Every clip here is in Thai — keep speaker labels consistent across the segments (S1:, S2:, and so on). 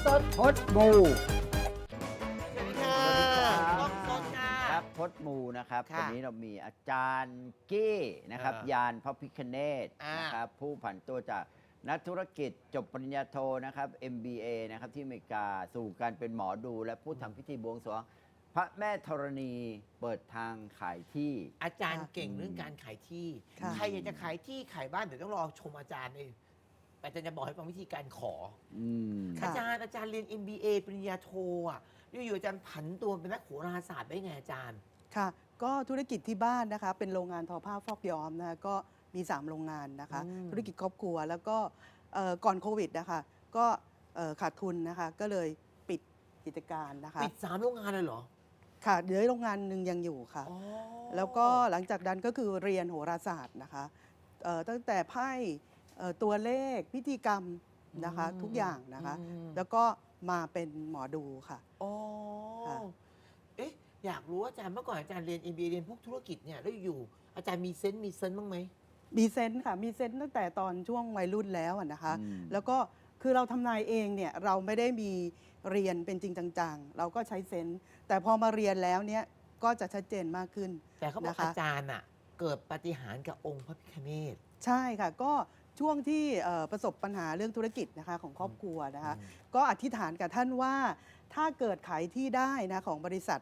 S1: สดพดมู
S2: สวัสดีค่ะ
S1: สวัสดีครับ
S2: กล้องสดค่ะ
S1: ครับพดมูนะครับ
S2: ค่ะ
S1: วันนี้เรามีอาจารย์กี้นะครับ
S2: เออย
S1: านพระพิฆเนศ
S2: อ่าน
S1: นะครับผู้ผันตัวจากนักธุรกิจจบปริญญาโทนะครับ MBA นะครับที่อเมริกาสู่การเป็นหมอดู และผู้ทำพิธีบวงสรวงพระแม่ธรณีเปิดทางขายที่
S2: อาจารย์
S3: ค่ะ
S2: เก่งเรื่องการขายที่
S3: ค่ะ
S2: ใครอยากจะขายที่ขายบ้านเดี๋ยวต้องรอชมอาจารย์เองแต่อาจารย์จะบอกให้ฟังวิธีการขอ
S1: อืม
S3: ค่ะ
S2: อาจารย์เรียน MBA ปริญญาโทอ่ะอยู่ๆอาจารย์ผันตัวเป็นนักโหราศาสตร์ได้ไงอาจารย์
S3: ค่ะ ก็ธุรกิจที่บ้านนะคะ เป็นโรงงานทอผ้าฟอกย้อมนะคะก็มี 3 โรงงานนะคะ
S2: อืม
S3: ธุรกิจครอบครัวแล้วก็ก่อนโควิดนะคะก็ขาดทุนนะคะ ก็เลยปิดกิจการนะคะ
S2: ปิด3 โรงงานเลยเหรอ
S3: ค่ะเหลือโรงงานหนึ่งยังอยู่ค่ะ
S2: อ๋อ
S3: แล้วก็หลังจากนั้นก็คือเรียนโหราศาสตร์นะคะตั้งแต่ไพ่ตัวเลขพิธีกรรมนะคะทุกอย่างนะคะ แล้วก็มาเป็นหมอดูค่ะ
S2: อ๋อ
S3: ค่ะ
S2: เอ๊ะอยากรู้ว่าอาจารย์เมื่อก่อนอาจารย์เรียน MBA เรียนพวกธุรกิจเนี่ยแล้วอยู่อาจารย์มีเซนส์บ้างไหม
S3: มีเซนส์ค่ะมีเซนส์ตั้งแต่ตอนช่วงวัยรุ่นแล้วอะนะคะ
S1: อืม
S3: แล้วก็คือเราทำนายเองเนี่ยเราไม่ได้มีเรียนเป็นจริงจังๆ เราก็ใช้เซนส์แต่พอมาเรียนแล้วเนี่ยก็จะชัดเจนมากขึ้น
S2: แต่เขาบอก
S3: นะคะ
S2: อาจารย์อ่ะเกิดปาฏิหาริย์กับองค์พระพิฆเนศ
S3: ใช่ค่ะก็ช่วงที่ประสบปัญหาเรื่องธุรกิจนะคะของครอบครัวนะคะ
S2: อืม
S3: ก็อธิษฐานกับท่านว่าถ้าเกิดขายที่ได้นะของบริษัท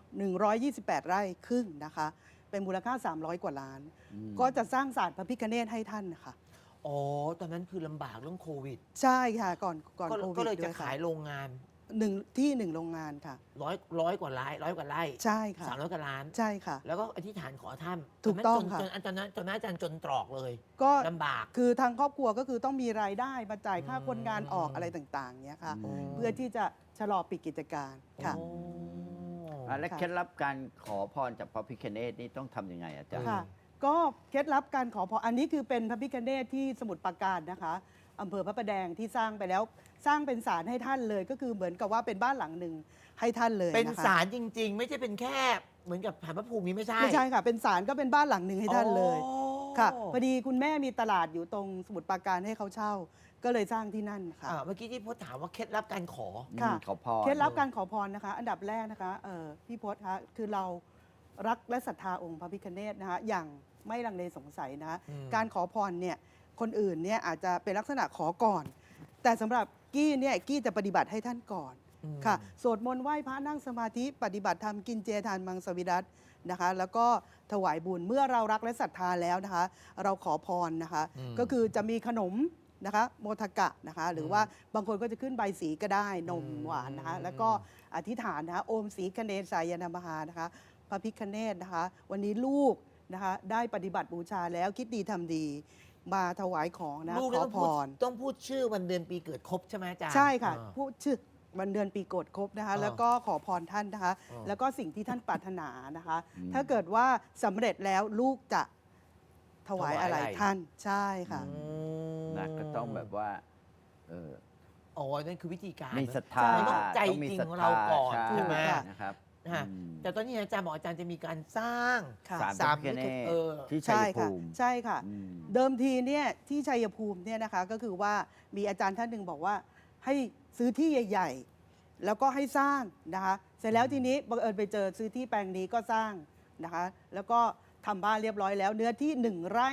S3: 128 ไร่ครึ่งนะคะเป็นมูลค่า 300 กว่าล้าน
S1: อืม
S3: ก็จะสร้างศาลพระพิฆเนศให้ท่านนะคะ
S2: อ๋อ ตอนนั้นคือลำบากเรื่องโควิด
S3: ใช่ค่ะก่อนโควิด
S2: ก็เลยจะ
S3: ด้วยค่
S2: ขายโรงงาน
S3: หนึ่งโรงงานค่ะ
S2: ร้อยกว่าไร่
S3: ใช่ค่ะ
S2: 300 กว่าล้าน
S3: ใช่ค่ะ
S2: แล้วก็อธิษฐานขอท่าน
S3: ถูกต้อง
S2: จน
S3: ค่ะ
S2: ตอนนั้นอาจารย์จนตรอกเลย
S3: ก็
S2: ลำบาก
S3: คือทางครอบครัวก็คือต้องมีรายได้มาจ่ายค่า
S2: อืม
S3: คนงานออกอะไรต่างๆเนี้ยค่ะ
S1: อืม
S3: เพื่อที่จะชะลอปิดกิจการค่ะ
S2: โอ้
S1: และ
S3: ค่ะ
S1: เคล็ดลับการขอพรจากพระพิฆเนศนี่ต้องทำยังไงอาจารย์
S3: ค่ะ ก็เคล็ดลับการขอพรอันนี้คือเป็นพระพิฆเนศที่สมุทรปราการนะคะอำเภอพระประแดงที่สร้างไปแล้วสร้างเป็นศาลให้ท่านเลย ก็คือเหมือนกับว่าเป็นบ้านหลังหนึ่งให้ท่านเลย
S2: เป็น
S3: นะคะ
S2: ศาลจริง ๆ ไม่ใช่เป็นแค่เหมือนกับฐานพระภูมินี้ไม่ใช่
S3: ไม่ใช่ค่ะ เป็นศาลก็เป็นบ้านหลังหนึ่งให้ท่านเลย
S2: อ๋อ
S3: ค่ะพอดีคุณแม่มีตลาดอยู่ตรงสมุทรปราการให้เขาเช่า ก็เลยสร้างที่นั่นค่ะ
S2: เมื่อกี้ที่พจน์ถามว่าเคล็ดลับการขอ
S3: ค่ะ
S1: ขอพร
S3: เคล็ดลับการขอพรนะคะ อันดับแรกนะคะพี่พศคะคือเรารักและศรัทธาองค์พระพิฆเนศนะคะอย่างไม่ลังเลสงสัยนะคะ
S2: อืม
S3: การขอพรเนี่ยคนอื่นเนี่ยอาจจะเป็นลักษณะขอก่อน แต่สำหรับกี้เนี่ยกี้จะปฏิบัติให้ท่านก่อน
S2: อืม
S3: ค่ะสวดมนต์ไหว้พระนั่งสมาธิปฏิบัติธรรมกินเจทานมังสวิรัตนะคะ แล้วก็ถวายบุญเมื่อเรารักและศรัทธาแล้วนะคะ เราขอพรนะคะ ก็คือจะมีขนมนะคะโมทกะนะคะ หรือว่าบางคนก็จะขึ้นใบสีก็ได้นมหวานนะคะ แล้วก็อธิษฐานนะคะโอมสีคเนสายนามหานะคะ พระพิฆเนศนะคะ วันนี้ลูกนะคะได้ปฏิบัติบูชาแล้วคิดดีทำดี มาถวายของนะ
S2: ลูก
S3: ข
S2: นี่
S3: อ
S2: ต้อง
S3: พ
S2: พูด
S3: ร
S2: ต้องพูดชื่อวันเดือนปีเกิดครบใช่ไหมอาจารย์
S3: ใช่ค่ะ
S2: อ่า
S3: พูดชื่อวันเดือนปีโกฎครบนะคะ
S2: อ่า
S3: แล้วก็ขอพรท่านนะคะ
S2: อ่า
S3: แล้วก็สิ่งที่ท่านปรารถนานะคะ
S1: อืม
S3: ถ้าเกิดว่าสำเร็จแล้วลูกจะถวายอะไรท่านใช่ค่ะ
S2: อืม
S1: นะก็ต้องแบบว่าเออ
S2: อ๋อนั่นคือวิธีการ
S1: มีศรัทธา
S2: มันต้องใจ
S1: ต้องมี
S2: จริง
S1: ศรัท
S2: ของ
S1: ธา
S2: เราก่อน
S1: ใช่
S2: ใช่ไหม
S1: นะครับ
S2: ฮะ
S1: อืม
S2: แต่ตอนนี้อาจารย์บอกอาจารย์จะมีการสร้าง
S3: ค่ะ
S1: ศาลพระพิฆเนศ
S2: เออ
S1: ที่ชั
S3: ใช่
S1: ย
S3: ค่ะ
S1: ภูมิ
S3: ใช่ค่ะ
S1: อืม
S3: เดิมทีเนี่ยที่ชัยภูมิเนี่ยนะคะก็คือว่ามีอาจารย์ท่านหนึ่งบอกว่าให้ซื้อที่ใหญ่ ๆ แล้วก็ให้สร้างนะคะ เสร็จแล้วทีนี้บังเอิญไปเจอซื้อที่แปลงนี้ก็สร้างนะคะ แล้วก็ทำบ้านเรียบร้อยแล้ว เนื้อที่ 1 ไร่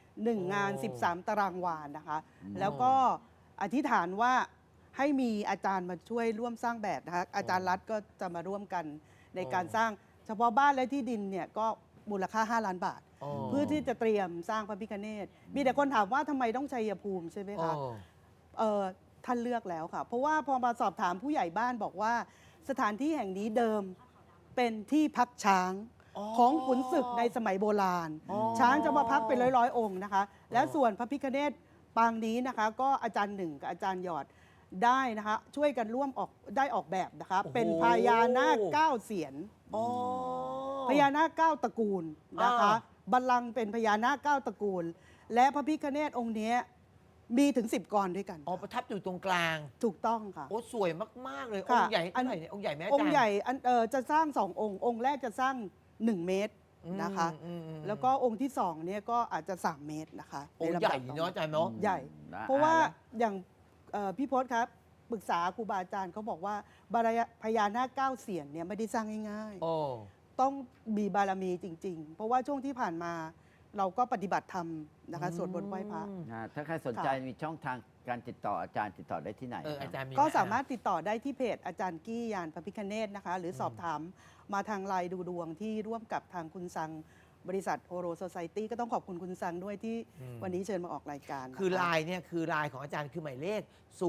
S3: 1 งาน
S2: โอ้
S3: 13 ตารางวานะคะ
S1: อืม
S3: แล้วก็อธิษฐานว่าให้มีอาจารย์มาช่วยร่วมสร้างแบบนะคะ อาจารย์รัฐก็จะมาร่วมกันในการสร้างเฉพาะบ้านและที่ดินเนี่ยก็มูลค่า 5 ล้านบาท
S2: อ๋อ
S3: เพื่อที่จะเตรียมสร้างพระพิฆเนศ มีแต่คนถามว่าทำไมต้องชัยภูมิใช่ไหมคะ
S2: อ๋อ
S3: ท่านเลือกแล้วค่ะ เพราะว่าพอมาสอบถามผู้ใหญ่บ้านบอกว่า สถานที่แห่งนี้เดิมเป็นที่พักช้าง
S2: อ๋อ
S3: ของขุนศึกในสมัยโบราณ
S2: อ๋อ
S3: ช้างจะมาพักเป็นร้อยๆ องค์นะคะ และส่วนพระพิฆเนศปางนี้นะคะ ก็อาจารย์หนึ่งกับอาจารย์หยอดได้นะคะ ช่วยกันร่วมออกแบบนะคะ
S2: โอ้โห
S3: เป็นพญานาคเก้าเสียน
S2: อ๋อ
S3: พญานาคเก้าตระกูลนะคะ
S2: อ่า
S3: บัลลังก์เป็นพญานาคเก้าตระกูล และพระพิฆเนศองค์เนี้ยมีถึง 10 กรด้วยกัน
S2: อ๋อประทับอยู่ตรงกลาง
S3: ถูกต้องค่ะ
S2: โอ้สวยมาก ๆ เลย
S3: ค่ะ
S2: องค์ใหญ่เท่าไหร่เนี่ยองค์ใหญ่ไหมอาจารย์
S3: องค์ใหญ่จะสร้าง2 องค์แรกจะสร้าง 1 เมตรนะคะ
S2: อืม
S3: แล้วก็องค์ที่2เนี่ยก็อาจจะ 3 เมตรนะคะ
S2: องค์
S3: นลำ
S2: ใหญ่
S3: ดับต่อ
S2: เนาะอาจารย์เนาะ
S3: ใหญ่
S1: นะ
S3: เพราะว่า
S1: แล้ว
S3: อย่างพี่พศครับปรึกษาครูบาอาจารย์เขาบอกว่าพญานาคเก้าเสียนเนี่ยไม่ได้สร้างง่าย
S2: โอ้
S3: ๆต้องมีบารมีจริง ๆ เพราะว่าช่วงที่ผ่านมาเราก็ปฏิบัติธรรมนะคะสวดมนต์ไหว้พระ
S1: ถ้าใครสนใจมีช่องทางการติดต่ออาจารย์ติดต่อได้ที่ไหน
S2: อาจารย์มี
S3: ก็
S2: ไห
S3: สามารถติดต่อได้ที่เพจอาจารย์กี้ยานพระพิคเนตนะคะ หรือสอบถามมาทางไลน์ดูดวงที่ร่วมกับทางคุณสังบริษัทโอโรโซไซตี้ก็ต้องขอบคุณคุณสังด้วยที่วันนี้เชิญมาออกรายการนะคะ
S2: คือไลน์เนี่ยคือไลน์ของอาจารย์คือหมายเลข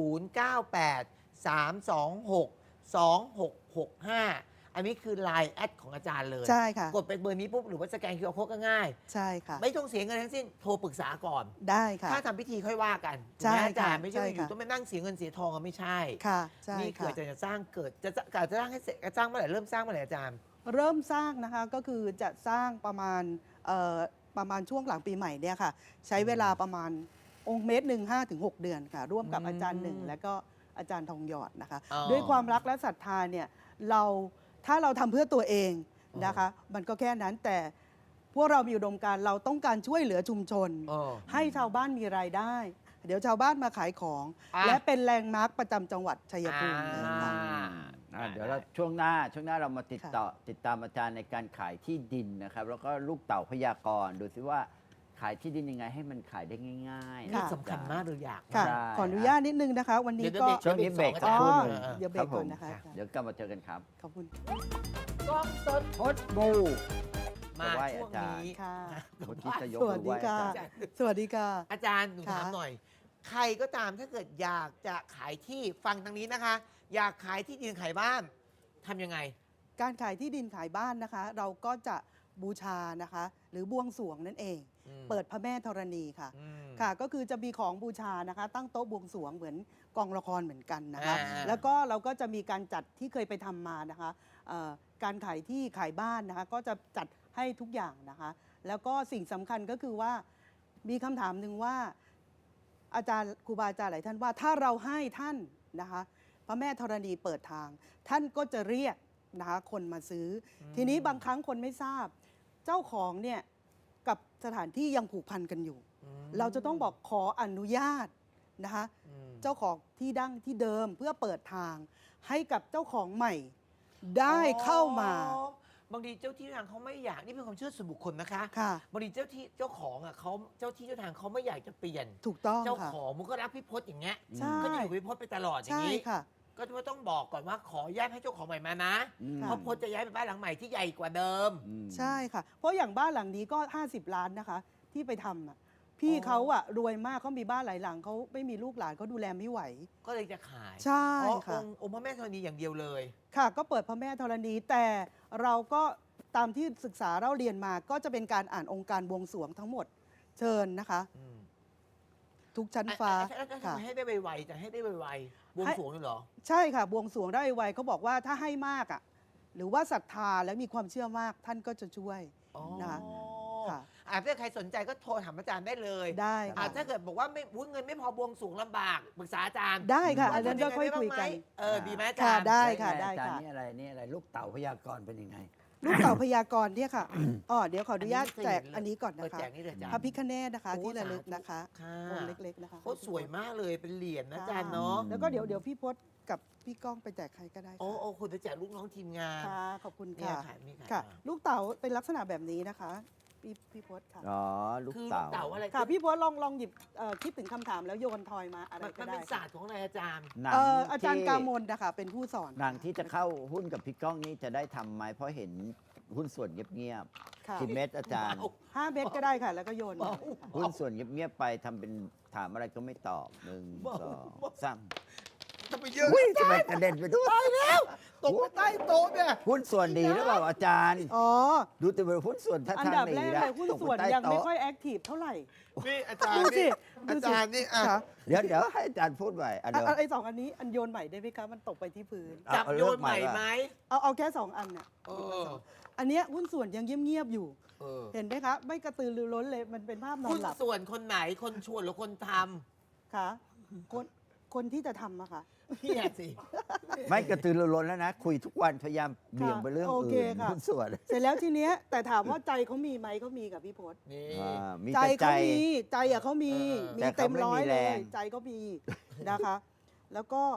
S2: 0983262665 อันนี้คือไลน์แอดของอาจารย์เลย
S3: ใช่ค่ะ
S2: กดไปเบอร์นี้ปุ๊บหรือว่าสแกน QR Code ก็ง่าย
S3: ใช่ค่ะ
S2: ไม่ต้องเสียเงินทั้งสิ้นโทรปรึกษาก่อน
S3: ได้ค่ะ
S2: ถ้าทำพิธีค่อยว่ากัน
S3: ใช่
S2: ถูกไหมอาจารย์
S3: ค่ะ
S2: ไม่ใช่ว่าอยู่
S3: ใช่ค่ะ
S2: ต้องไปนั่งเสียเงินเสียทองกันไม่ใช่
S3: ค่ะใช่
S2: นี่เกิ
S3: ค่ะ
S2: ดจะสร้างเกิดจะสร้างให้เสร็จสร้างเมื่อไหร่เริ่มสร้างเมื่อไหร่อาจารย์
S3: เริ่มสร้างนะคะก็คือจะสร้างประมาณช่วงหลังปีใหม่เนี่ยค่ะ ใช้เวลาประมาณองค์เมตรหนึ่ง5 ถึง 6 เดือนค่ะ ร่วมกับอาจารย์หนึ่งและก็อาจารย์ทองหยอดนะคะ
S2: อ๋อ
S3: ด้วยความรักและศรัทธาเนี่ยถ้าเราทำเพื่อตัวเองนะคะ มันก็แค่นั้นแต่พวกเรามีอุดมการณ์เราต้องการช่วยเหลือชุมชน
S2: อ๋อ
S3: ให้ชาวบ้านมีรายได้ เดี๋ยวชาวบ้านมาขายของ
S2: อ่ะ
S3: และเป็นแลนด์มาร์คประจำจังหวัดชัยภูมิเลยค่ะ
S1: เดี๋ยวเราช่วงหน้าเรามาติดตามอาจารย์ในการขายที่ดินนะครับ แล้วก็ลูกเต่าพยากรณ์ดูซิว่าขายที่ดินยังไงให้มันขายได้ง่ายๆ
S2: นี่
S3: ค่ะ
S2: สำคัญมากเลยอยาก
S3: ค่ะ
S1: ใช่
S3: ขออนุญาตนิดนึงนะคะ วันนี้
S2: เดี๋ยว
S3: ก็
S1: ช่วงนี้เบรกสัก
S3: อ๋
S1: ครู่
S3: อ
S1: หนึ่ง
S3: เดี๋ยวเบรกก่อนนะคะ
S1: เดี๋ยวกลับมาเจอกันครับ
S3: ขอบคุณ
S2: กล้องสด
S1: พดบู
S2: มา
S1: ไหว้
S2: ช่วง
S1: อาจารย์
S2: นี้
S3: ค่ะ
S1: เมื่อกี้จะยก
S3: สวัส
S1: มือ
S3: ดี
S1: ไหว้อา
S3: ค่ะ
S1: จารย์
S3: สวัสดีค่ะ
S2: อาจารย์หนู
S3: ค่ะ
S2: ถามหน่อย ใครก็ตามถ้าเกิดอยากจะขายที่ฟังทางนี้นะคะ อยากขายที่ดินขายบ้านทำยังไง
S3: การขายที่ดินขายบ้านนะคะ เราก็จะบูชานะคะ หรือบวงสรวงนั่นเอง
S2: อืม
S3: เปิดพระแม่ธรณีค่ะ
S2: อืม
S3: ค่ะ ก็คือจะมีของบูชานะคะ ตั้งโต๊ะบวงสรวงเหมือนกองละครเหมือนกันนะคะ
S2: อ่า
S3: แล้วก็เราก็จะมีการจัดที่เคยไปทำมานะคะการขายที่ขายบ้านนะคะ ก็จะจัดให้ทุกอย่างนะคะ แล้วก็สิ่งสำคัญก็คือว่ามีคำถามหนึ่งว่า อาจารย์ครูบาอาจารย์หลายท่านว่าถ้าเราให้ท่านนะคะ พระแม่ธรณีเปิดทาง ท่านก็จะเรียกนะคะคนมาซื้ออทีนี้บางครั้งคนไม่ทราบ เจ้าของเนี่ยกับสถานที่ยังผูกพันกันอยู่
S2: อืม
S3: เราจะต้องบอกขออนุญาตนะคะ
S2: อืม
S3: เจ้าของที่ดั้งที่เดิมเพื่อเปิดทาง ให้กับเจ้าของใหม่ได้เข้ามา
S2: อ๋อบางทีเจ้าที่เจ้าทางเขาไม่อยากนี่เป็นความเชื่อส่วนบุคคลนะคะ
S3: ค่ะ
S2: บางทีเจ้าที่เจ้าของอ่ะเขาเจ้าที่เจ้าทางเขาไม่อยากจะเปลี่ยน
S3: ถูกต้อง
S2: เจ้า
S3: ค่ะ
S2: ของมันก็รักพี่พศอย่างเงี้ย
S3: ใช่
S2: ก็จะอยู่กับพี่พศไปตลอดอย่า
S3: ใช่
S2: งนี้
S3: ค่ะ
S2: ก็จะต้องบอกก่อนว่าขออนุญาตให้เจ้าของใหม่มานะ
S1: อืม
S2: เพราะพศจะย้ายไปบ้านหลังใหม่ที่ใหญ่กว่าเดิม
S1: อืม
S3: ใช่ค่ะ เพราะอย่างบ้านหลังนี้ก็ 50 ล้านนะคะ ที่ไปทำอ่ะพี่
S2: อ๋อ
S3: เขาอะรวยมากเขามีบ้านหลายหลังเขาไม่มีลูกหลานเขาดูแลไม่ไหว
S2: ก็เลยจะขาย
S3: ใช่
S2: อ๋อ
S3: ค่ะ
S2: องค์พระแม่ธรณีอย่างเดียวเลย
S3: ค่ะ ก็เปิดพระแม่ธรณีแต่เราก็ตามที่ศึกษาเราเรียนมาก็จะเป็นการอ่านองค์การบวงสรวงทั้งหมดเชิญนะคะ ทุกชั้นฟ้า
S2: แล้ว
S3: ค่ะ
S2: ทำให้ได้ไวๆจะให้ได้ไวๆบวงสรวงเลยเหรอ
S3: ใช่ค่ะ บวงสรวงได้ไวเขาบอกว่าถ้าให้มากอ่ะหรือว่าศรัทธาและมีความเชื่อมากท่านก็จะช่วย
S2: อ๋อ
S3: นะคะค่ะ
S2: ถ้าใครสนใจก็โทรถามอาจารย์ได้เลย
S3: ได้
S2: อ่ะ
S3: ค่ะ
S2: ถ้าเกิดบอกว่าไม่อุ๊ยเงินไม่พอบวงสรวงลำบากปรึกษาอาจารย์
S3: ได้ค่ะ
S2: ว่า
S3: อันนั้นก็ค่อยคุยกัน
S2: ดีไหมอา
S3: ค่ะ
S2: จารย์
S3: ได้ค่ะ
S1: อา
S3: ได้
S1: จารย์
S3: ค่ะ
S1: นี่อะไรลูกเต่าพยากรณ์เป็นยังไง
S3: ลูกเต่าพยากรณ์เนี่ยค่ะอ๋อเดี๋ยวขออนุญาต
S2: อันนี้
S3: แจก
S2: ไม่เคยเห็นเลย
S3: อันนี้ก่อน
S2: เปิ
S3: นะ
S2: ด
S3: คะ
S2: แจกนี่เลยอาจารย์
S3: พระพิฆเนศนะคะ
S2: โอ้
S3: ที่ระลึก
S2: สาธุ
S3: นะคะ
S2: ค่ะ
S3: องค์เล็กๆนะคะ
S2: โคตรสวยมากเลยเป็นเหรียญนะอาจารย์
S3: ค่
S2: เนาะ
S3: แล้วก็เดี๋ยวพี่พศกับพี่ก้องไปแจกใครก็ได้
S2: โอ้
S3: ค่ะ
S2: โอ้คุณไปแจกลูกน้องทีมงาน
S3: ค่ะขอบคุณ
S2: เนี่ย
S3: ค่ะ
S2: ค่ะนี่ค่ะ
S3: ค่ะ ลูกเต่าเป็นลักษณะแบบนี้นะคะพี่พศค่ะ
S1: อ๋อ ลูก
S2: คือลู
S1: เต่า
S2: กเต่าอะไร
S3: ค่ะพี่พศลองหยิบคิดถึงคำถามแล้วโยนทอยมาอะไร
S2: มัน
S3: ก็
S2: มัน
S3: ได้
S2: เป็นศาสตร์ของอะไรอาจารย์
S1: หนัง
S3: อาจารย์
S1: ที่
S3: กามลนะคะเป็นผู้สอน
S1: หนังที่จะเข้าหุ้นกับพี่ก้องนี่จะได้ทำไหมเพราะเห็นหุ้นส่วนเงียบ
S3: ค่ะ
S1: ๆกี่เม็ดอาจารย์
S3: 5 เม็ดก็ได้ค่ะ แล้วก็โยนมา
S1: หุ้นส่วนเงียบๆไปทำเป็นถามอะไรก็ไม่ตอบหนึ่ง
S2: เบา
S1: สอง
S2: เบา
S1: สาม
S2: ทำไมเยอะ
S1: อุ้ยทำไมกระเด็นไปด้วย
S2: ตกไปใต้โต๊ะเนี่ย
S1: หุ้นส่วนดีหรือเปล่าอาจารย์
S3: อ๋อ
S1: ดูแต่เป็นหุ้นส่วนท่า
S3: อัน
S1: ทาง
S3: ดับ
S1: หนี
S3: แรก
S1: นะ
S3: เลยหุ้น
S1: ตก
S3: ส่วน
S1: ไปใต้
S3: ยังไม่
S1: โต๊ะ
S3: ค่อยแอคทีฟเท่าไหร่
S2: นี่อาจารย์
S3: ดูสิ
S2: นี่อาจารย์นี่อ่ะ
S3: ค่ะ
S1: เดี๋ยวให้อาจารย์พูดใหม่อันเดียว
S3: ไอ้สองอันนี้อันโยนใหม่ได้ไหมคะมันตกไปที่พื้น
S1: เอา
S2: จับ
S1: เอา
S2: โย
S1: เลิ
S2: น
S1: ก
S2: ใหม่
S1: ก่อน
S2: ไหม
S3: เอาแค่2 อันเนี่ย
S2: เออ
S3: อันเนี้ยหุ้นส่วนยังเงียบๆอยู่
S2: เออ
S3: เห็นไหมคะ ไม่กระตือรือร้นเลยมันเป็นภาพนอ
S2: หุ้
S3: น
S2: น
S3: หลับ
S2: ส่วนคนไหนคนชวนหรือคนท
S3: ค่ะคนที่จะทำอะค่ะ
S2: ำพี่อะสิ
S1: ไม่กระตือรือร้นแล้วนะ คุยทุกวันพยายามเบี่ยงไปเรื่อง
S3: โอเค
S1: อื่น
S3: ค่ะ
S1: หุ้นส่วน
S3: เสร็จแล้วทีเนี้ยแต่ถามว่าใจเขามีไหมเขามีกับพี่พศ
S2: นี่
S1: มี
S3: ใจ
S1: แต่ใจ
S3: เขามีใจอะเขามี
S2: เออ
S3: มี
S1: แต่
S3: เต็
S1: เขา
S3: ม
S1: ไม่
S3: ร้อย
S1: มี
S3: เล
S1: แร
S3: ย
S1: ง
S3: ใจเขามีนะคะ แล้วก็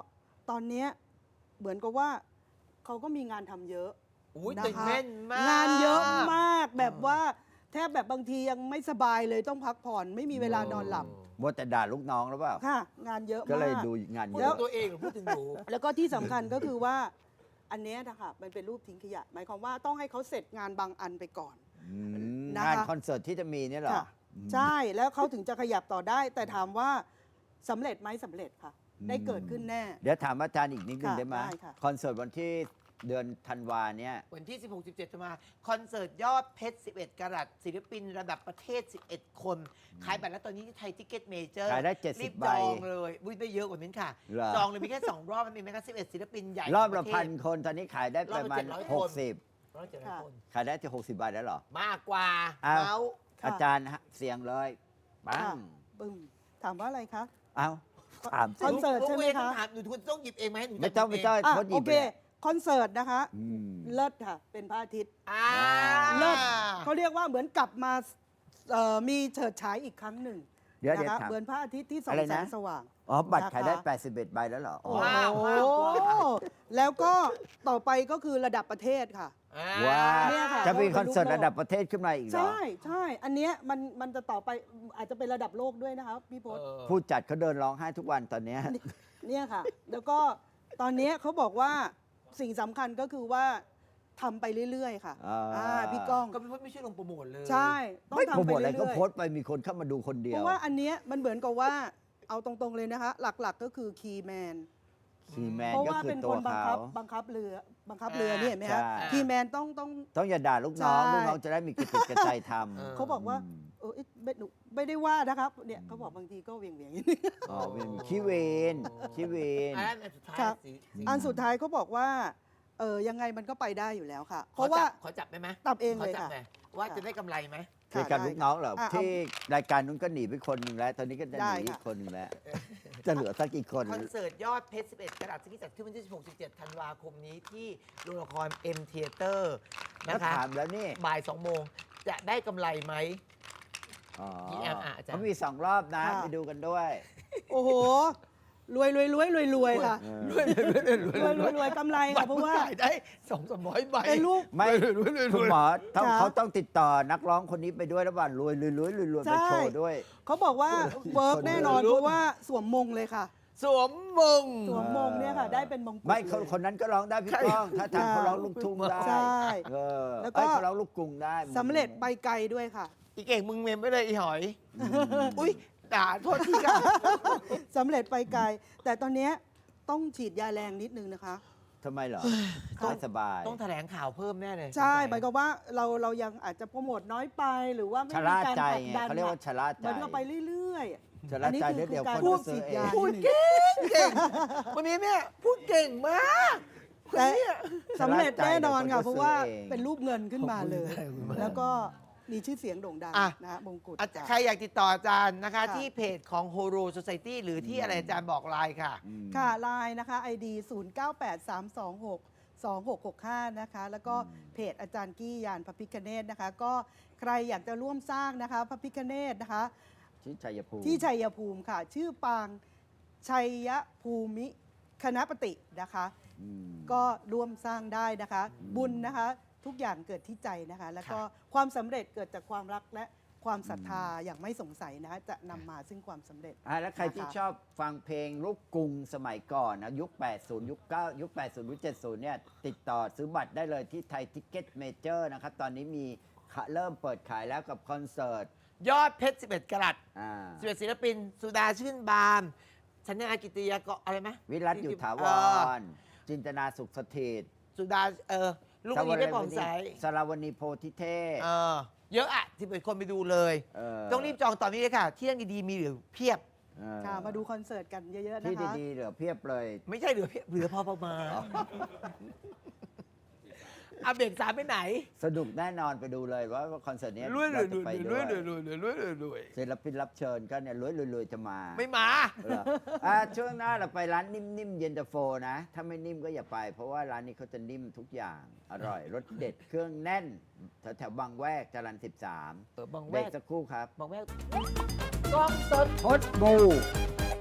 S3: ตอนเนี้ยเหมือนกับว่าเขาก็มีงานทำเยอะ
S2: อุ้ย
S3: นะ
S2: ตื่น
S3: คะ
S2: เต้นมาก
S3: งานเยอะมากแบบว่าแทบแบบบางทียังไม่สบายเลยต้องพักผ่อนไม่มีเวลานอนหลับ
S1: มัวแต่ด่าลูกน้องหรือเปล่า
S3: ค่ะ งานเยอะ
S1: ก็
S3: มา
S1: เลย
S3: ก
S1: ดูงาน
S2: พูด
S1: เย
S2: ถึ
S1: อะ
S2: งตัวเองหรือพูดถึงหนู
S3: แล้วก็ที่สำคัญก็คือว่าอันเนี้ยนะคะมันเป็นรูปทิ้งขยะ หมายความว่าต้องให้เขาเสร็จงานบางอันไปก่อน
S1: อืม
S3: นะคะ
S1: งานคอนเสิร์ตที่จะมีเนี่ยเหรอ
S3: ค่ะใช่แล้วเขาถึงจะขยับต่อได้ แต่ถามว่าสำเร็จไหมสำเร็จค่ะ ได้เกิดขึ้นแน่
S1: เดี๋ยวถามอาจารย์อีกนิดนึง
S3: ค่ะ
S1: ได้ไหม
S3: ได้ค่ะ
S1: คอนเสิร์ตวันที่เดือนธันวาเนี่ย
S2: วันที่ 16-17 จะมา คอนเสิร์ตยอดเพชร 11 กรัตศิลปินระดับประเทศ 11 คน ขายบัตรแล้วตอนนี้ที่ไทยทิกเก็ตเมเจอร์
S1: ขายได้
S2: รีบ
S1: 70 ใบ
S2: จองเลยอุ้ยได้เยอะกว่านี้ค่ะ
S1: เหรอ
S2: จองเลยมีแค่ 2 รอบ มันมีแค่11 ศิลปินใหญ่
S1: รอบละ
S2: ขงปเทศ
S1: พันคนตอนนี้ขายได้ประมาณ
S2: รอบละ700 คน
S1: 60
S2: ร้อยเจ็ดร้อย
S3: ค่ะ
S2: คน
S1: ขายได้ที่60 บาทแล้วเหรอ
S2: มากกว่า
S1: อ้าว
S2: เมาส์
S3: ค่ะ
S1: อาจารย์ฮะเสียงเลยปั
S3: ค่ะ
S1: ง
S3: ปึ้มถามว่าอะไรคะ
S1: เอ้าถาม
S3: คอนเสิร์ตใช่ไหมคะ
S2: หนูถามหนูต้องหยิบเองไหมหนูจะ
S1: ไม่ต้อง
S2: หยิ
S1: ไม่
S2: บ
S1: ต้อง
S2: เ
S3: อ่ะ
S1: โค้ดหยิ
S3: โอบ เค
S1: ไปเลย
S3: คอนเสิร์ตนะคะ
S1: อืม
S3: เลิศค่ะ เป็นพระอาทิตย์
S2: อ่า
S3: เลิศเขาเรียกว่าเหมือนกลับมามีเฉิดฉายอีกครั้งหนึ่ง
S1: เดี๋ยว
S3: นะ
S1: เดี๋ยว
S3: คะ
S1: ถาม
S3: เหมือนพระอาทิตย์ที่ส่อ
S1: อะ
S3: ง
S1: ไร
S3: แส
S1: นะ
S3: งสว่าง
S1: อ๋อ บัตร
S3: นะคะ
S1: ขายได้ 81 ใบแล้วเหรออ๋อ
S2: ว้าว
S3: โอ้
S2: ว้าว
S3: แล้วก็ต่อไปก็คือระดับประเทศค่ะ
S2: อ่า
S1: ว้า
S3: เนี่ยค่ะ
S1: จะมีคอนเสิร์ตระดับประเทศขึ้นมาอีกเหรอ
S3: ใช่ใช่อันเนี้ยมันจะต่อไปอาจจะเป็นระดับโลกด้วยนะคะพี่พศ
S1: ผู้จัดเขาเดินร้องไห้ทุกวันตอนเนี้ย
S3: เนี่ยค่ะ แล้วก็ตอนเนี้ยเขาบอกว่าสิ่งสำคัญก็คือว่าทำไปเรื่อยๆค่ะ พี่ก้อง
S2: ก็ไม่ช่วยลงโปรโมทเลย
S3: ใช่ต้อง
S1: ไม่โปร
S3: ทำ
S1: โม
S3: ไป
S1: ทอะไร
S3: เรื่
S1: ก็
S3: อย
S1: โพสต์ไปมีคนเข้ามาดูคนเดี
S3: ๆ
S1: ย
S3: เพ
S1: ว
S3: ราะว่าอันเนี้ยมันเหมือนกับว่าเอาตรงๆเลยนะคะ หลักๆก็คือคีย์แมน
S1: คีย์แมน
S3: เพราะ
S1: ก็
S3: ว่า
S1: คือ
S3: เป็น
S1: ตั
S3: คว นบัง
S1: เขา
S3: คับเรือนี่เห็นไหมคะ
S1: ใช่
S3: คีย์แมนต้อง
S1: ต้องอย่าด่าลูกน้อง
S3: ใช่
S1: ลูกน้องจะได้มีกระติกกระใจท
S3: เขาบอกว่าเออหนูไม่ได้ว่านะครับเนี่ยเขาบอกบางทีก็เวียงนิดนึง
S1: ำอ๋อเป็นขี้เวนขี้เวน
S2: อันนั้นอันสุดท้าย
S3: ครับ
S2: สี
S3: อันสุดท้ายเขาบอกว่ายังไงมันก็ไปได้อยู่แล้วค่ะ เพราะว่า
S2: ขอจับได้ไหม
S3: ตับเอง
S2: ขอ
S3: เลย
S2: จับ
S3: ค่ะ
S2: หน่อยว่าจะได้กำไรไหม
S1: คือการลูกน้องเหรอ
S3: อ่ะ
S1: ที่รายการนู้นก็หนีไปคนหนึ่งแล้ว ตอนนี้ก็จะห
S3: ได้
S1: นีอี
S3: ค่ะ
S1: กคนหนึ่งแล้ว จะเหลือสักกี่คน
S2: คอนเสิร์ตยอดเพชร 11 กรัตที่จัดขึ้นวันที่ 16-17 ธันวาคมนี้ที่โรงละคร M Theater
S1: แล้ว
S2: นะคะ
S1: ถามแล้วนี่
S2: บ่าย 2 โมง จะได้กำไรไหม
S1: อ๋อ
S2: PM อ่ะอาจารย์
S1: เขามี2 รอบนะ
S3: ค่ะ
S1: ไปดูกันด้วย
S3: โอ้โหรวยค่ะ
S1: เออ
S3: รวยกำไรค่ะเพราะว่า
S2: ขายได้200-300 ใบ
S3: เป็นลูก
S1: ไม่
S2: รวย
S1: คุณหมอต้อง
S3: ค่ะ
S1: เขาต้องติดต่อนักร้องคนนี้ไปด้วยแล้วว่ารวยไปโชว์ด้วย
S3: เขาบอกว่าเวิร์กแน่นอน
S2: คนรวย
S3: เพราะว่าสวมมงเลยค่ะ
S2: สวมมง
S3: สวมมงเนี่ยค่ะ ได้เป็นมงกุฎ
S1: ไม่
S3: เลย
S1: คนนั้นก็ร้องได้พี่ก้อง ถ้าทางเขาร้องลูกทุ่งได้
S3: ใช่
S1: เออ
S3: แล้วก็
S1: เขาร้องลูกกรุงได้
S3: สำเร็จไปไกลด้วยค่ะ
S2: อีเก่งมึงเมมไปเลยอีหอย อุ้ยด่าโทษทีค่ะ
S3: สำเร็จไปไกล แต่ตอนเนี้ยต้องฉีดยาแรงนิดนึงนะคะ
S1: ทำไมเหรอ
S3: ค่ะ
S1: ไม่สบาย
S2: ต้องแถลงข่าวเพิ่มแน่เลย
S3: ใช่หมายความว่าเรายังอาจจะโปรโมทน้อยไปหรือว่าไม่
S1: ชะ
S3: มี
S1: ล่า
S3: การ
S1: ใจ
S3: ผลัก
S1: ไง
S3: ดัน
S1: เขาเรียกว่าชะล่าใจ
S3: มันก็ไปเรื่อยๆ
S1: ชะล่าใจ
S3: อันนี้
S1: เดี๋ยว
S3: การ
S1: คน
S3: พู
S1: ก็
S3: ด
S1: ซื้
S3: ฉี
S1: อ
S3: ด
S1: เอง
S3: ยา
S2: พูด
S3: นิดนึง
S2: เก่งวันนี้แม่พูดเก่งมากคน
S3: แต่
S2: เนี้ย
S3: สำเร็จแน่นอนค่ะ
S1: ชะล่าใจ
S3: เพราะว่า
S1: เดี๋ยวคนก็ซื้อเอง
S3: เป็นรูปเงินขึ้นมาเลย
S2: ขอบคุณมาก
S3: แล้วก็มีชื่อเสียงโด่งดัง
S2: อ่ะ
S3: นะฮะมงกุฎ
S2: ใครอยากติดต่ออาจารย์นะคะ
S3: ค่ะ
S2: ที่เพจของ Horo Society หรือที่อะไรอาจารย์บอกไลน์ค่ะ
S1: อืม
S3: ค่ะไลน์นะคะ ID 0983262665 นะคะ แล้วก็เพจอาจารย์กี้ยานพระพิคเนตนะคะ ก็ใครอยากจะร่วมสร้างนะคะพระพิคเนตนะคะ
S1: ที่ชัยภูมิ
S3: ที่ชัยภูมิค่ะ ชื่อปางชัยภูมิคณปฏินะคะ
S1: อืม
S3: ก็ร่วมสร้างได้นะคะ บุญนะคะ ทุกอย่างเกิดที่ใจนะคะ แล้วก็ความสำเร็จเกิดจากความรักและความศรัทธาอย่างไม่สงสัยนะคะจะนำมาซึ่งความสำเร็จ
S1: แล้วใครที่
S3: นะคะ
S1: ชอบฟังเพลงลูกกรุงสมัยก่อนนะยุค 80 ยุค 9 ยุค 80 ยุค 70 เนี่ย ติดต่อซื้อบัตรได้เลยที่ไทยทิกเก็ตเมเจอร์นะครับ ตอนนี้มีเริ่มเปิดขายแล้วกับคอนเสิร์ต
S2: ยอดเพชร 11 กรัต
S1: อ่า
S2: 11ศิลปิน สุดาชื่นบานชัญญากิติยากรอะไรไหม
S1: วิรัตอยู่ถาว
S2: เออ
S1: ร จินตนาสุขสถิต
S2: สุดาลูกนี้ไม่ผ่องใส
S1: สรวณีโพธิเทพ
S2: เยอะอ่ะ11คนไปดูเลย ต้องรีบจองตอนนี้เลยค่ะ ที่นั่งดีๆมีเหลือเพียบ
S3: ค่ะมาดูคอนเสิร์ตกันเยอะๆ
S1: ที่
S3: นะคะ
S1: ดีๆเหลือเพียบเลย
S2: ไม่ใช่เหลือเพียบเหลือพอประมาณเอาเบรก3ไปไหน
S1: สนุกแน่นอนไปดูเลยว่าคอนเสิร์ตนี้
S2: รวย
S1: เราจะไปด้วย
S2: รวย
S1: ศิลปินรับเชิญก็เนี่ยรวยๆจะมา
S2: ไม่มา
S1: เหรอช่วงหน้าเราไปร้านนิ่มๆเย็นตาโฟนะ ถ้าไม่นิ่มก็อย่าไป เพราะว่าร้านนี้เขาจะนิ่มทุกอย่าง อร่อยรสเด็ดเครื่องแน่น แถวๆบางแวกจรัญ13
S2: บาง
S1: เบ
S2: แว
S1: รก
S2: ก
S1: สักครู่ครับ
S2: บางแวกกล้องสด
S1: พดบู